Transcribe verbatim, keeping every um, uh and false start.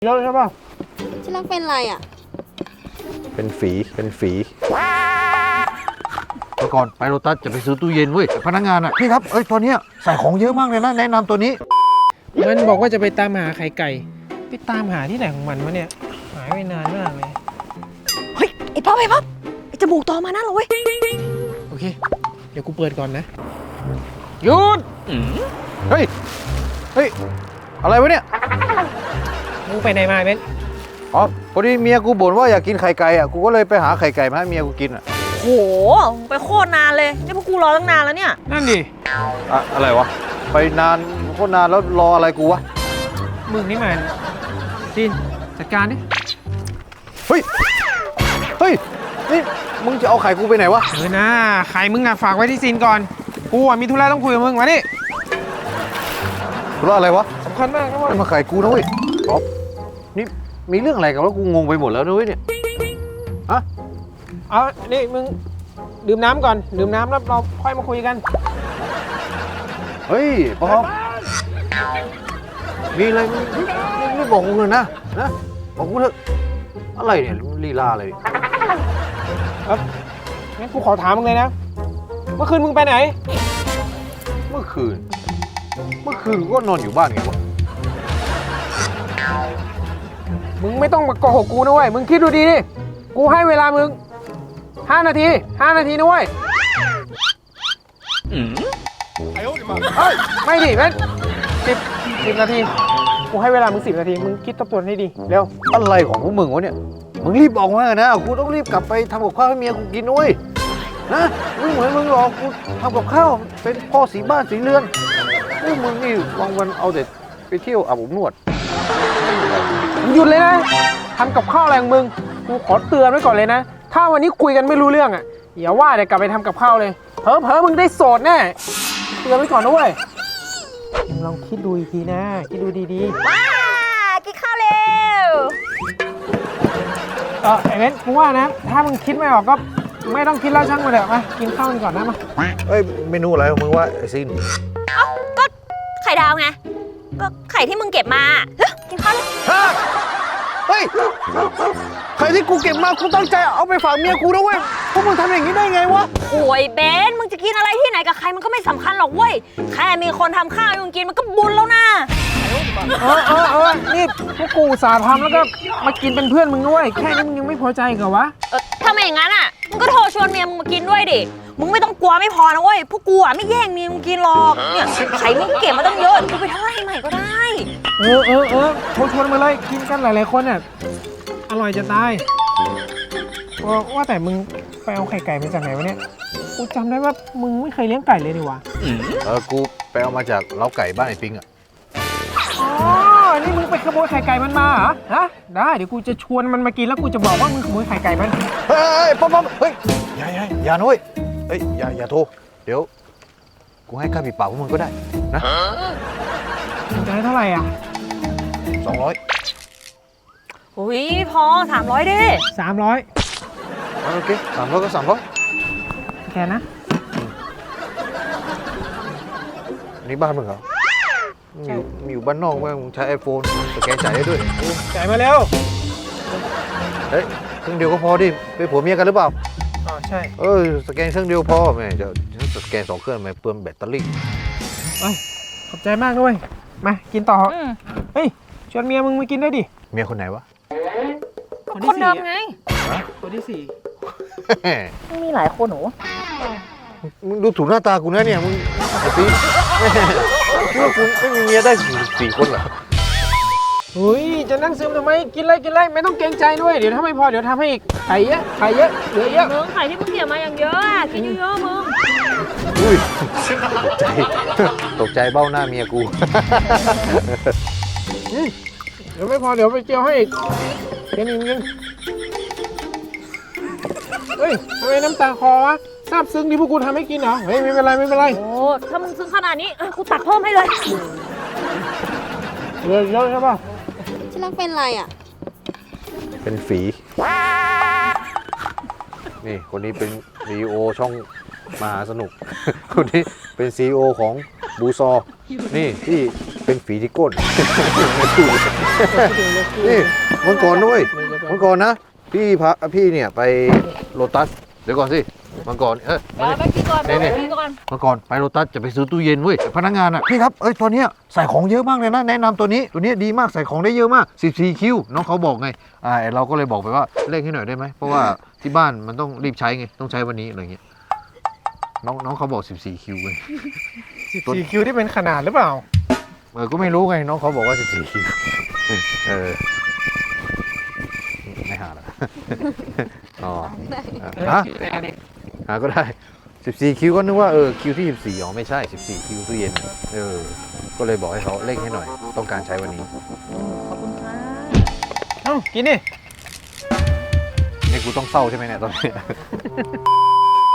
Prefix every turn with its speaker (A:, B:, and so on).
A: เยอะใช่ป่ะ
B: ที่รักเป็นไรอ่ะ
C: เป็นฝีเป็นฝีเมื่อก่อนไปโรตัสจะไปซื้อตู้เย็นเว้ยพนักงานอ่ะพี่ครับเอ้ยตัวเนี้ยใส่ของเยอะมากเลยนะแนะนำตัวนี้
A: มันบอกว่าจะไปตามหาไข่ไก่ไปตามหาที่ไหนของมันวะเนี่ยหายไปนานมากเลย
B: เฮ้ยไอ้ป๊อปไอ้ป๊อปไอ้จมูกต่อมานะเราเว้ย
A: โอเคเดี๋ยวกูเปิดก่อนนะหยุด
C: เฮ้ยเฮ้ยอะไรวะเนี่ย
A: มึงไปไหนมาเบน
C: อ๋อพอดีเมียกูบ่นว่าอยากกินไข่ไก่อ่ะกูก็เลยไปหาไข่ไก่มาให้เมียกูกินอ่ะ
B: โหไปโคตรนานเลยนี่พวกกูรอตั้งนานแล้วเนี่ย
A: นั่นดิ
C: อะอะไรวะไปนานโคตรนานแล้วรออะไรกูวะ
A: มึงนี่มันจินจัดการดิ
C: เฮ้ยเฮ้ยนี่มึงจะเอาไข่กูไปไหนวะ
A: เออนะไข่มึงอ่ะฝากไว้ที่ซินก่อนกูอ่ะมีธุระต้องคุยกับมึงมาดิ
C: ธุระอะไรวะ
A: สำคัญมากนะเว้ย
C: มาไข่กูนะเว้ยป๊อปนี่มีเรื่องอะไรกันวะกูงงไปหมดแล้วนะเว้ยเนี่ยอะ
A: เอานี่มึงดื่มน้ำก่อนดื่มน้ำแล้วเราค่อยมาคุยกัน
C: เฮ้ยป๊อปมีอะไรมึงไม่บอกกูเลยนะนะบอกกูเถอะอะไรเนี่ยลีลาอะไร
A: ครับงั้นกูขอถามมึงเลยนะเมื่อคืนมึงไปไหน
C: เมื่อคืนเมื่อคืนก็นอนอยู่บ้านไงวะ
A: มึงไม่ต้องมาโกหกกูนะเว้ยมึงคิดดูดีดิกูให้เวลามึงห้านาทีห้านาทีนะเว้ยอืมเฮ้ยไม่ดิเว้นสิบสิบนาทีกูให้เวลามึงสิบนาทีมึงคิดทบทวนให้ดีเร็ว
C: อะไรของพวกมึงวะเนี่ยมึงรีบบอกมานะกูต้องรีบกลับไปทำกับข้าวให้เมียกูกินด้วยนะมึงเหมือนมึงหรอกกูทำกับข้าวเป็นพ่อสีบ้านสีเรือนพวกมึงนี่วันวันเอาแต่ไปเที่ยวอาบอบนวด
A: หยุดเลยนะทำกับข้าวอะไรของมึงกูขอเตือนไว้ก่อนเลยนะถ้าวันนี้คุยกันไม่รู้เรื่องอ่ะอย่าว่าเดี๋ยวกลับไปทำกับข้าวเลยเผลอเผลอมึงได้โสดแน่เตือนไว้ก่อนนะเว้ยมึงลองคิดดูอีกทีนะคิดดูดี
B: ๆว้ากินข้าวเร็ว
A: เออไอ้เบนกูว่านะถ้ามึงคิดไม่ออกก็ไม่ต้องคิดแล้วช่างมาเถอะมากินข้าวกันก่อนนะมา
C: เอ้ยเมนูอะไรของมึงวะไอ้ซิน
B: เอ้าก็ไข่ดาวไงก็ไข่ที่มึงเก็บมากินข้าวเลย
C: เฮ้ยไข่ที่กูเก็บมากูตั้งใจเอาไปฝากเมียกูนะเว้ยพวกมึงทำอย่างนี้ได้ไงวะ
B: โอ้ยเบนมึงจะกินอะไรที่ไหนกับใครมันก็ไม่สำคัญหรอกเว้ยแค่มีคนทำข้าวให้มึงกินมันก็บุญแล้วนะ
A: เออเออเออนี่พวกกูสาทำแล้วก็มากินเป็นเพื่อนมึงด้วยแค่นี้มึงยังไม่พอใจเหรอวะ
B: เออถ้าไม่อย่างนั้นอ่ะมึงก็โทรชวนเมียมึงมากินด้วยดิมึงไม่ต้องกลัวไม่พอนะเว้ยพวกกูอ่ะไม่แย่งเมียมึงกินหรอกเนี่ยไข่มึงเก็บมาตั้งเยอะกูไปทอดให้ใหม่ก็ได้
A: เออเออเออโทรชวนมาเลยกินกันหลายๆคนอ่ะอร่อยจะตายว่าแต่มึงไปเอาไข่ไก่มาจากไหนวะเนี่ยกูจำได้ว่ามึงไม่เคยเลี้ยงไก่เลยนี่วะ
C: เออกูไปเอามาจากเล้าไก่บ้านไอ้ปิงอ่ะ
A: อ๋อนี่มึงไปขโมยไข่ไก่มันมาเหรอฮะได้เดี๋ยวกูจะชวนมันมากินแล้วกูจะบอกว่ามึงขโมยไข่ไก่มัน
C: เฮ้ยป๊อปป๊อปเฮ้ยอย่าอย่าอย่านุ้ยเฮ้ยอย่าอย่าโทรเดี๋ยวกูให้ค่าปิดปากพวกมึงก็ได้นะ
A: มึงจะให้เท่าไหร่อ่ะ
C: สองร้อย
B: อุ้ยพอสามร้อยดิ
A: สามร้อย
C: โอเคสามร้อยก็สามร้อย
A: แค่นะ
C: นี่บ้านมึงเหรอมีอยู่มีอยู่บ้านนอกมึงใช้ไอโฟนสแกนจ่ายได้ด้วย
A: จ่ายมาเร็ว
C: เฮ้ยเครื่องเดียวก็พอดิเป็นผัวเมียกันหรือเปล่า
A: อ๋อใช่
C: เออสแกนเครื่องเดียวพอแม่จะสแกนสองเครื่องไม่เปลืองแบตเตอรี่
A: เอ้ยขอบใจมากด้วยมากินต่อเฮ้ยชวนเมียมึงมากินได้ดิ
C: เมียคนไหนวะ
B: คนเดิมไง
A: คนที่สี่
B: มึงมีหลายคนหนู
C: มึงดูถูกหน้าตากูนะเนี่ยมึงไอ้ปีคิดว่ากูไม่มีเมียได้สี่สี่คนเหรอ
A: เฮ้ยจะนั่งซึมทำไมกินเลยกินเลยไม่ต้องเกรงใจด้วยเดี๋ยวถ้าไม่พอเดี๋ยวทำให้อีกไข่เยอะไข่เยอะเหลือเยอะ
B: มึงไข่ที่มึงเกี่ยวมาอย่างเยอะอ่ะกินเยอะๆมึง
C: อุ้ยตกใจตกใจเบ้าหน้าเมียกู
A: เดี๋ยวไม่พอเดี๋ยวไปเจียวให้อีกกินอีกนิดเฮ้ยทำไมน้ำตาคอวะซาบซึ้งที่พวกกูทำให้กินเหรอเฮ้ยไม่เป็นไรไม่เป็นไร
B: โอ้ถ้ามึงซึ้งขนาดนี้กูตัดเพิ่มให้เลย
A: เยอะเยอะใช่ป่ะ
B: ที่รักเป็นไรอ่ะ
C: เป็นฝีนี่คนนี้เป็นซีอีโอช่องมหาสนุกคนนี้เป็นซีอีโอของบูซอนี่ที่เป็นเป็นฝีที่ก้น นี่วันก่อนด้วยวันก่อนนะ พี่พาพี่เนี่ยไปโลตัส เดี๋ยวก่อนสิวันก่อนเออ
B: เอาไปกินก่อนไปกินก่อน
C: วันก่อนไปโลตัสจะไปซื้อตู้เย็นเว้ยพนักงานอ่ะพี่ครับเอ้ยตัวเนี้ยใส่ของเยอะมากเลยนะแนะนำตัวนี้ตัวเนี้ยดีมากใส่ของได้เยอะมากสิบสี่คิวน้องเขาบอกไงอ่าเราก็เลยบอกไปว่าเร่งให้หน่อยได้ไหมเพราะว่าที่บ้านมันต้องรีบใช้ไงต้องใช้วันนี้อะไรเงี้ยน้องน้องเขาบอกสิบสี่คิวไง
A: สิบสี่คิวที่เป็นขนาดหรือเปล่า
C: เออก็ไม่รู้ไงน้องเขาบอกว่าสิบสี่คิวเออไม่หาละอ๋อฮะหาก็ได้สิบสี่คิวก็นึกว่าเออคิวที่สิบสี่อ๋อไม่ใช่สิบสี่คิวตู้เย็นเออก็เลยบอกให้เขาเร่งให้หน่อยต้องการใช้วันนี้
B: ขอบคุณค่ะ
A: เอ้ากินดิ
C: นี่กูต้องเศร้าใช่ไหมเนี่ยตอนนี้